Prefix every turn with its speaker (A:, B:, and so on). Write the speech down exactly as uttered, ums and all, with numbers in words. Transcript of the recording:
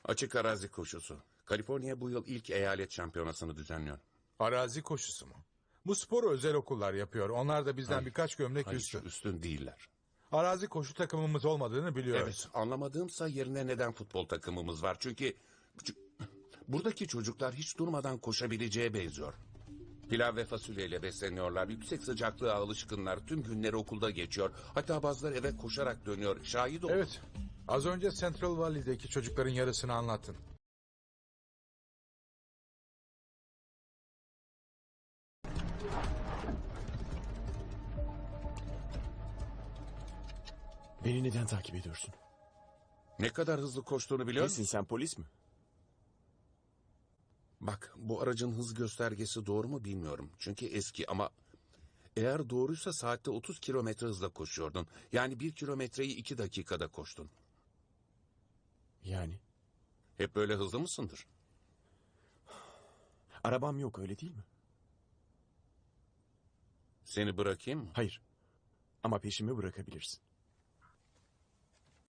A: Açık arazi koşusu. Kaliforniya bu yıl ilk eyalet şampiyonasını düzenliyor.
B: Arazi koşusu mu? Bu sporu özel okullar yapıyor. Onlar da bizden
A: Hayır,
B: birkaç gömlek
A: Hayır,
B: üstün.
A: üstün değiller.
B: Arazi koşu takımımız olmadığını biliyoruz.
A: Evet, anlamadığımsa yerine neden futbol takımımız var? Çünkü ç- buradaki çocuklar hiç durmadan koşabileceğe benziyor. Pilav ve fasulyeyle besleniyorlar. Yüksek sıcaklığa alışkınlar. Tüm günleri okulda geçiyor. Hatta bazıları eve koşarak dönüyor. Şahit olun.
B: Evet. Az önce Central Valley'deki çocukların yarısını anlattın.
C: Beni neden takip ediyorsun?
A: Ne kadar hızlı koştuğunu biliyor
C: Nesin
A: musun?
C: sen, polis mi?
A: Bak, bu aracın hız göstergesi doğru mu bilmiyorum. Çünkü eski ama eğer doğruysa saatte otuz kilometre hızla koşuyordun. Yani bir kilometreyi iki dakikada koştun.
C: Yani
A: Hep böyle hızlı mısındır?
C: arabam yok, öyle değil mi?
A: Seni bırakayım mı?
C: Hayır. Ama peşimi bırakabilirsin.